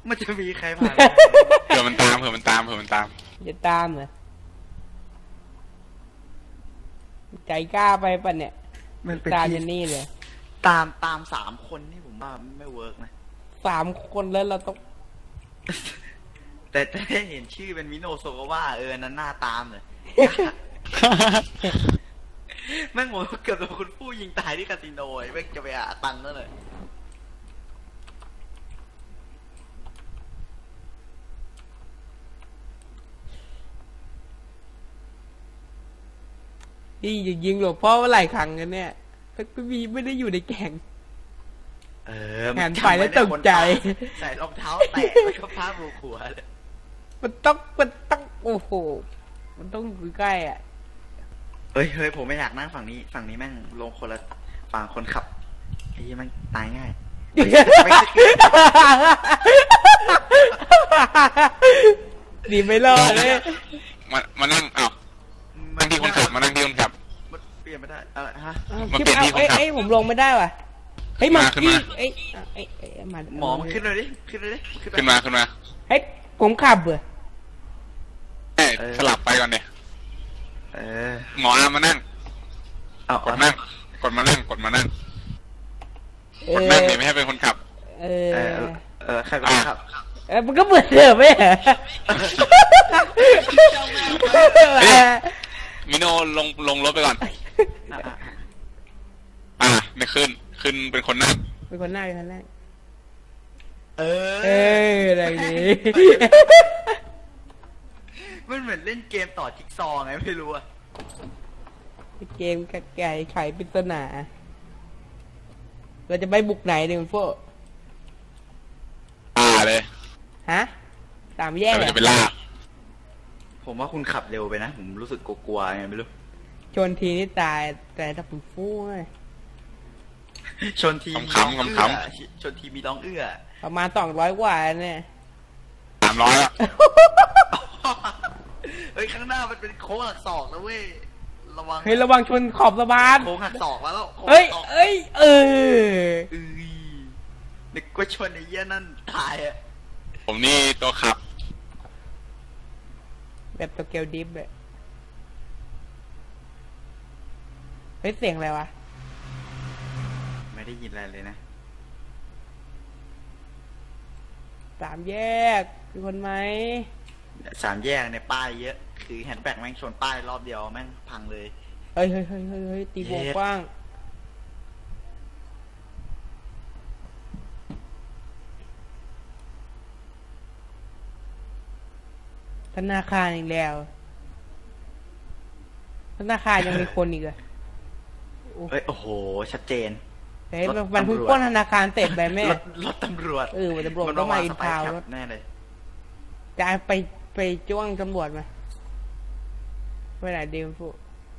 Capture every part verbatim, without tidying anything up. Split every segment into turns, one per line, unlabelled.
มันจะมีใครผ่าน
เผื่อมันตามเผื่อมันตามเผื่อมันตาม
จะตามเหรอใจกล้าไปปะเนี่ย
มันเป็น
ตามยันนี่เลย
ตามตามสามคนนี่ผมว่าไม่เวิร์กนะ
สามคนแล้วเราต้อง
แต่แต่เห็นชื่อเป็นมิโนโซกว่าเออนั้นหน้าตามเลยแม่งโหเกือบโดนคุณผู้ยิงตายที่คาสิโนไอ้แม่งจะไปหาตังค์นั่นเลย
นี่จะยิงหลวงพ่อว่าหลายครั้งกันเนี่ยพี่บีไม่ได้อยู่ในแข่ง
เออ
แขนไปแล้วตกใจ
ใส่รองเท้าแตะไปก็พาบูขัวเลย
มันต้องมันต้องโอ้โหมันต้องอยู่ใกล้อ่ะ
เฮ้ยเฮ้ยผมไม่อยากนั่งฝั่งนี้ฝั่งนี้แม่งลงคนละฝั่งคนขับไอ้ยี่มันตายง่าย
ดีไม่รอดเลย
มามานั่งอ้าวนั่งที่คนขับมานั่งที่คนขับ
มันเปลี่ยนไม่ได้อะไรฮะ
มาเปลี่ยนที่คนขับ
เอ้ยผมลงไม่ได้ว่ะเฮ้ยมาขึ้นมาเอ้ยเอ้ยมา
หมอมาขึ้นเลยดิขึ้นเลยดิ
ขึ้นมาขึ้นมา
เฮ้ยผมขับเบื่อ
เอ้ยสลับไปก่อนเดี๋ยว
เออ
หมอมานั่งกดนั่งกดมานั่งกดมานั่งกดนั่งเลยไม่ให้เป็นคนขับ
เออ
เออใครเป็นคนขับ
เออมันก็เบื่อเสือไหม
มิโนลงลงรถไปก่อนอ่าไม่ขึ้นขึ้นเป็นคนนั่ง
เป็นคนนั่งเป็นคนนั่ง
เออ
เอออะไรนี้
มันเหมือนเล่นเกมต่อจิ๊กซอว์ไงไม่รู้อะ
เกมกระไก่ไขปริศนาเราจะไปบุกไหนเนี่ยคุณโฟ
อ่าเลย
ฮะตามแยก
เลยจะไปล่า
ผมว่าคุณขับเร็วไปนะผมรู้สึกกลัวๆไงไม่รู้
ชนทีนี่ตายแต่ถ้าผมฟู้
ชนที
ขำขำข
ำชนทีมีร้องเอื้อ
ประมาณสองร้อยกว่าเนี่ย
สามร้อยละ
เฮ้ยข้างหน้ามันเป็นโค้งหักศอกนะเว้ยระวัง
เฮ้ยระวังชนขอบสะพาน
โค้งหักศอกแล้ว
เฮ้ยเอ้ยเออ
นึกว่าชนไอ้เหี้ยนั่นตายอ่ะ
ผมนี่ตัวขับ
แบบตัวเกลดิฟเลยเฮ้ยเสียงอะไรวะ
ไม่ได้ยินอะไรเลยนะ
สามแยกคือคนไหม
สามแยกในป้ายเยอะคือแฮนด์แบ็กแม่งชนป้ายรอบเดียวแม่งพังเลย
เฮ้ยเฮ้ยเฮ้ยเฮ้ยตีวงกว้างธนาคารอีกแล้วธนาคารยังมีคนอีกเหรอ
เฮ้ยโอ้โหชัดเจน
เฮ้ยมันเพิ่งปล้นธนาคารเสร็จไปแม่
รถตำรวจ
เออตำรวจก็มาอินทาว
แน่เลย
จะไปไปจ้วงตำรวจมาไปไหนดีมฟู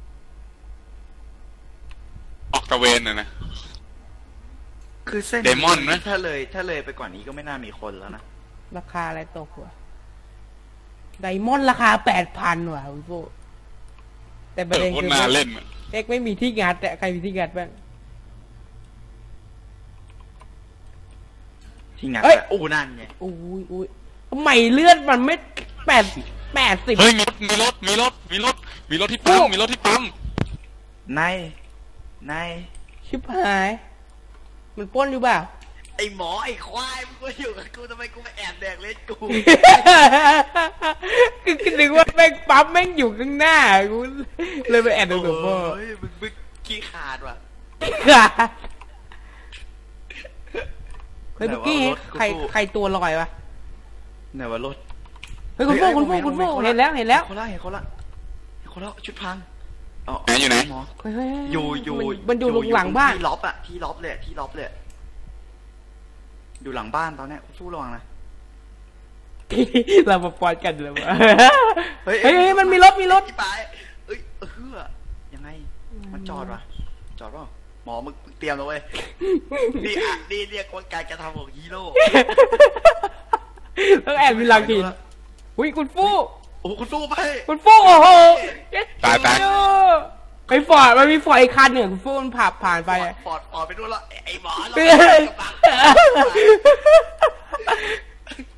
ออกตะเวนน่ะนะ
คือเส้น
เดมอนนะ
ถ้าเลยถ้าเลยไปกว่านี้ก็ไม่น่ามีคนแล้วนะ
ราคาอะไรตกวะไดมอนด์ราคาแปดพันว่ะคุณฟูแต่ประเด็นคือเอ็กไม่มีที่งัดแต่ใครมีที่งัดบ้าง
ที่งัดเอ้ยโอ้นั่นไง
อุ้ยอุ้ยทำไมเลือดมันไม่แปดแปดสิบ
เฮ้ยมีรถมีรถมีรถมีรถที่ปั๊มมีรถที่ปั๊ม
นายนาย
ชิบหายมันป้นอยู่เปล่า
ไอหมอไอควายมึงก็อยู่กับกูทำไมกูมาแอบแดกเล็ดกู
คือนึกว่าแม่งปั๊มแม่งอยู่ข้างหน้ากูเลยไปแอบดูกับพ่อ
เฮ้ยมึงมึงขี้ขาดว่ะ
ขาดเฮ้ยเมื่อกี้ใครใครตัวลอยวะ
ไหนว่ารถ
เฮ้ยคุณโฟคุณโฟคุณโฟเห็นแล้วเห็นแล้ว
คนละเห็นคนละเห็นคนละชุดพัง
ไหนอยู่ไหน
หมอ
อยู่อยู่
มันอยู่หลังบ้าน
ที่ล็อบอะที่ล็อบเลยที่ล็อบเลยอยู่หลังบ้านตอนนี้สู้ระวังนะ
เรามาปอนกันเลยวะเฮ้ยเฮ้ยมันมีรถมีรถ
ไปเอ้ยเฮือยังไงมันจอดวะจอดป่ะหมอมึงเตรียมเลยเว้ยนี่อ่ะนี่เรียกว่าการกระทำของฮีโร่
ต้องแอบมีหลังทีอุ้ยคุณฟู่
โอ้คุณฟู่ไป
คุณฟู่โอ้โห
ตายตาย
ไอ้ฟอร์ดมันมีฟอร์ดอีกคันหนึ่งคุณฟู่มันผ่าผ่านไป
ฟอร์ดฟอร์ดไปด้วยละไอ้หมอเรา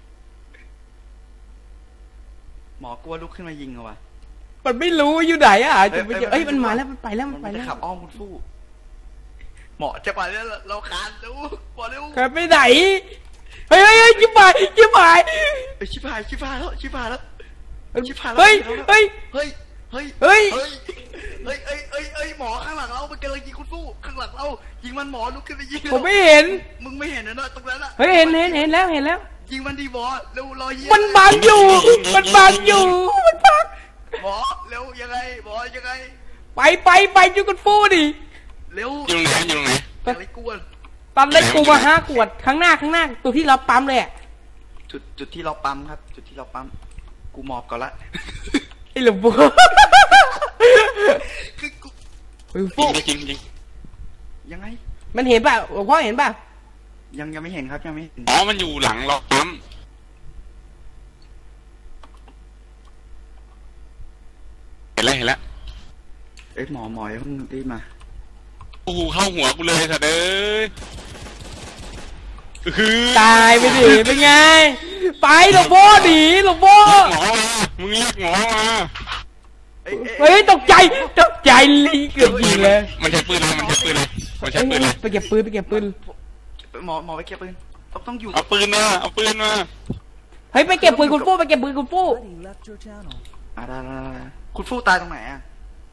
หมอกลัวลุกขึ้นมายิงเหรอวะ
มันไม่รู้อยู่ไหนอ่ะจะไปเจอเอ้ยมันมาแล้วมันไปแล้วมันไป
มัน
แล้
จะ
ว
ขับอ้อมคุณฟู่หมอจะไปแล้วเราคานเร็วหมอเร็ว
ขับไปไหนเฮ้ยเฮ้ยเฮ้ยชิบหายชิบหาย
เอ้ยชิบหายชิบหายแล้วชิบหายแล้วชิบหายแล้ว
เฮ้ยเฮ้ย
เฮ้ยเฮ้ย
เฮ้ย
เฮ้ยเฮ้ยเฮ้ยเฮ้ยเฮ้ยหมอข้างหลังเรามันกำลังยิงคุณฟู่ข้างหลังเรายิงมันหมอลุกขึ้นไปยิง
ผมไม่เห็น
มึงไม่เห็นนะตรงนั้นอะ
เฮ้ยเห็นเห็นเห็นแล้วเห็นแล้ว
ยิงมันดีหมอเร็วรอยิง
มันบังอยู่ มันบังอยู่ มันบัง
หมอเร็วยังไงหมอยังไง
ไปไปไปจุกันฟูดิ
เร็ว
อยู่ตรงไหนอยู่ตรงไหน
อย่าไรกวน
ตอนเล่นกูมาห้าขวดข้างหน้าข้างหน้าตัวที่เราปั๊มเลยอ่ะ
จุดจุดที่เราปั๊มครับ จุดที่เราปั๊มกูหมอบก่อนละ
ไอ้หลวงปู่
คือกู
เฮ้ย
จริ
ฟู
งจริงจริง
ยังไง
มันเห็นป่ะหลวงพ่อเห็นป่ะ
ยังยังไม่เห็นครับยังไม่เห็น
อ๋อมันอยู่หลังเราปั๊มเห็นแล้วเห็นแล้ว
เอ้ยหมอหมออย่าเพิ่งรีบมา
โอ้โหเข้าหัวกูเลยสัตว์เอ้ยคือ
ตายไปดิเป็นไง ไปหลวงพ่อหนีหลวงพ่อ
หมอมามึงเรียกหมอมา
เอ้ย
เฮ้ยตกใจตกใจลีเกือบยิงเลย
มันใช้ปืนอะไรมันใช้ปืนอะไรมันใช้ปืนอะไร
ไปเก็บปืนไปเก็บปืน
หมอหมอไปเก็บปืนต้องต้องอยู่
เอาปืนมาเอาปืนมา
เฮ้ยไปเก็บปืนคุณฟู่ไปเก็บปืนคุณฟู่
Buddy left your channel.
อ่าได้ได้ได้คุณฟู่ตายตรงไหนอ่ะ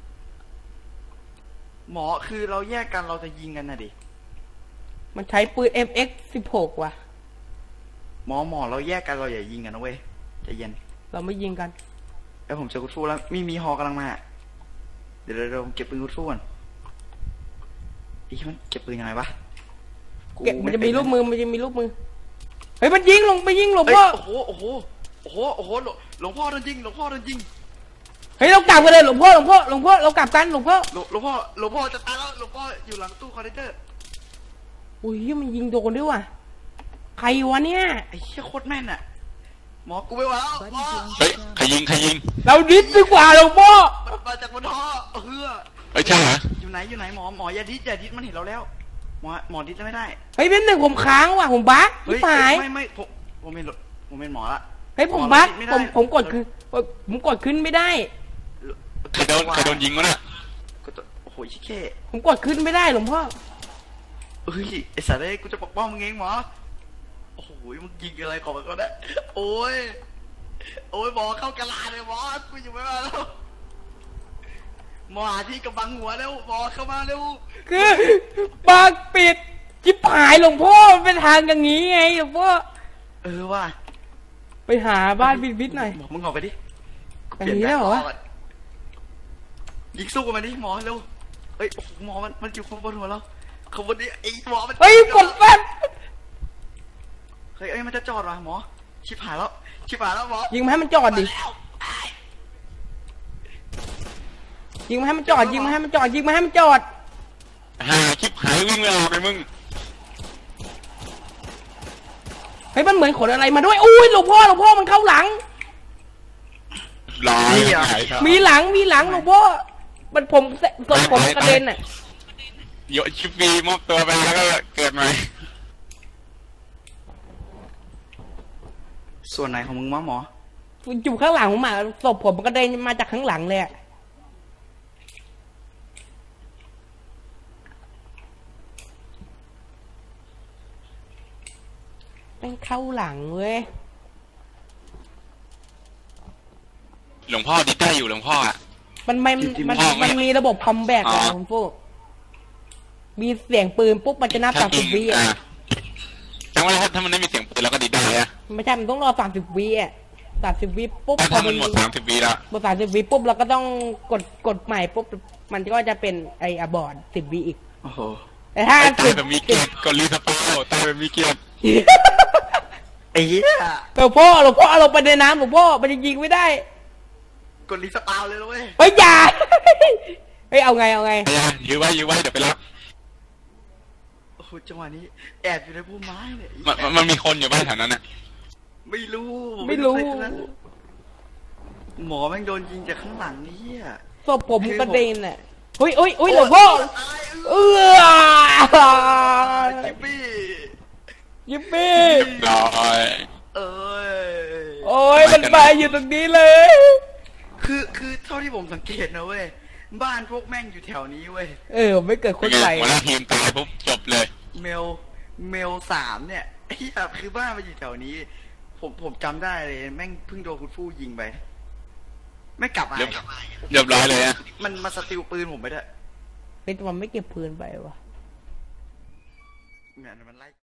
หมอคือเราแยกกันเราจะยิงกันนะดิ
มันใช้ปืน เอ็ม เอ็กซ์ สิบหก ว่ะ
หมอหมอเราแยกกันเราอย่ายิงกันนะเว้ยใจเย็น
เราไม่ยิงกัน
แล้วผมเจอคุณฟู่แล้วมีมีฮอกำลังมาเดี๋ยวเดี๋ยวเดี๋ยวผมเก็บปืนคุณฟู่ก่อนอีมันเก็บปืนยังไงวะ
เก็บมันจะมี
ไเป็
ลูกมือมันจะมีลูกมือเฮ้ยมันยิงลงไปยิงหลวง
เอ้ย
พ่อ
โอ้โหโอ้โหโอ้โหโอ้โหหลวงหลวงพ่อโดนยิงหลวงพ่อโดนยิง
เฮ้ยเรากลับกันเลยหลวงพ่อหลวงพ่อหลวงพ่อเรากลับกันหลวงพ่อ
หลวงหลวงพ่อหลวงพ่อจะตายแล้วหลวงพ่ออยู่หลังตู้คอนเทนเนอร์
อุ้ยมันยิงโดนด้วยว่ะใครวะเนี่ย
ไอ้เหี้ยโคตรแม่นอะหมอกูไม่ไหวแล้วหมอ
เฮ้ยใครยิงใครยิง
เราดิสดีกว่าหลวงพ่อ
มันมาจากบนท่อเฮือ
เฮ้ยใช่เหรอ
อยู่ไหนอยู่ไหนหมอหมออย่าดิสอย่าดิสมันเห็นเราแล้วหมอหมอดิสไม่ได้
เฮ้ยเป็นหนึ่งผมค้างว่ะผมบั๊ก
เฮ้ย
หาย
ไม่ไม่ผมผมเป็นผมเป็นหมอละ
เฮ้ยผมบั๊ก
หอ
ผม
ไได้
ผมกดคือผมกดขึ้นไม่ได้
ใครโดนใครโดนยิงวะน่ะ
กดตัวโอ้โหชิเก้
ผมกดขึ้นไม่ได้หลวงพ่อ
เฮ้ยไอ้สัตว์เอ้ยกูจะปกป้องมึงเองหมอโอ้โหมึงยิงอะไรของมันก็ได้โอ้ยโอ้ยหมอเข้ากระลาเลยหมอกูอยู่ไม่มาแล้วหมอหาที่กำบังหัวเร็วหมอเข้ามาเร็ว
คือปากปิดจิบหายหลวงพ่อมันเป็นทางอย่างนี้ไงหลวงพ่อ
เออว่ะ
ไปหาบ้านบิดบิดหน่อย
หมอมึงออกไปดิ
ไปหนีแล้วเหรอวะ
ยิงสู้กันมาดิหมอเร็วเฮ้ยโอ้โหหมอมันมันอยู่ข้างบนหัวเราข้างบนนี้ไอ้หมอมัน
เฮ้ยกดแป๊บ
เฮ้ยเอ้ยมันจะจอดว่ะหมอชิบหายแล้วชิบหายแล้วหมอ
ยิงมาให้มันจอดดิ
มาแล้ว
ยิงมาให้มันจอดยิงมาให้มันจอดยิงมาให้มันจอด
หาคลิปหายวิ่งไม่ออกเลยมึง
เฮ้ยมันเหมือนขนอะไรมาด้วยอุ้ยหลวงพ่อหลวงพ่อมันเข้าหลัง
ลอยหายครับ
มีหลังมีหลังหลวงพ่อมันผมส่วนผมกระเด็นอ่ะ
โยชิฟีมอบตัวไปแล้วก็เกิดใหม่
ส่วนไหนของมึงวะหมอ
อยู่ข้างหลังผมอ่ะศพผมมันกระเด็นมาจากข้างหลังเลยอ่ะเป็นเข้าหลังเว้ย
หลวงพ่อดิได้อยู่หลวงพ่ออ่ะ
มันไม่มันมันมีระบบคอมแบทอะคุณฟูมีเสียงปืนปุ๊บมันจะนับสามสิบวิอ่ะ
แต่ว่าถ้ามันไม่มีเสียงปืนเราก็ดิได้อะ
ไม่ใช่มันต้องรอสามสิบวิอ่ะสามสิบวิปุ๊บ
ถ้ามันหมดสามสิบวิแล้ว
หมดสามสิบวิปุ๊บเราก็ต้องกดกดใหม่ปุ๊บมันก็จะเป็นไออบอร์ดสิบวิอีก
โอ้โห
แต่ถ้า
ตาย
สิบ
แบบมีเกียรติกดรีสปาวตายแบบมีเกียรติ
ไอ้เหี้ย
หลวงพ่อหลวงพ่อเอาลงไปในน้ำหลวงพ่อมันจะยิงไม่ได้
กดรีสปาวเลยนะเว้ย
เฮ้ยอย่า เฮ้ยเอาไงเอาไง
ไอ้ยายื้อไว้ยื้อไว้เดี๋ยวไปรับ
โอ้โหจังหวะนี้แอบอยู่ในพุ่มไม้เนี่ย
มันมันมันมีคนอยู่บ้านแถวนั้นอ่ะ
ไม่รู้
ไม่รู้
ด้ทั้งนั้นหมอแม่งโดนยิงจากข้างหลังนี่เหี้ย
ศพผมกระเด็นอ่ะเฮ้ยเฮ้ยเฮ้ยหลวงพ่อ
ตาย
เอ
เออ
อ
จิบบี้
ยิปปี้
ร้อย
เอ้ย
โโอ้ยมันมาอยู่ตรงนี้เลย
คือคือเท่าที่ผมสังเกตนะเว้ยบ้านพวกแม่งอยู่แถวนี้เว้ย
เออไม่เกิดคนไหล
หัวหน้าทีมตายปุ๊บจบเลย
เมลเมลสามเนี่ยไอ้เหี้ยคือบ้านมันอยู่แถวนี้ ผมผมจำได้เลยแม่งเพิ่งโดนคุณฟู่ยิงไปไม่กลับมา
เรียบเรียบร้อยเลยอะ
มันมาสติลปืนผมไปด้วย
เป็นตัวมันไม่เก็บปืนไปวะ
เนี่ยมันไล่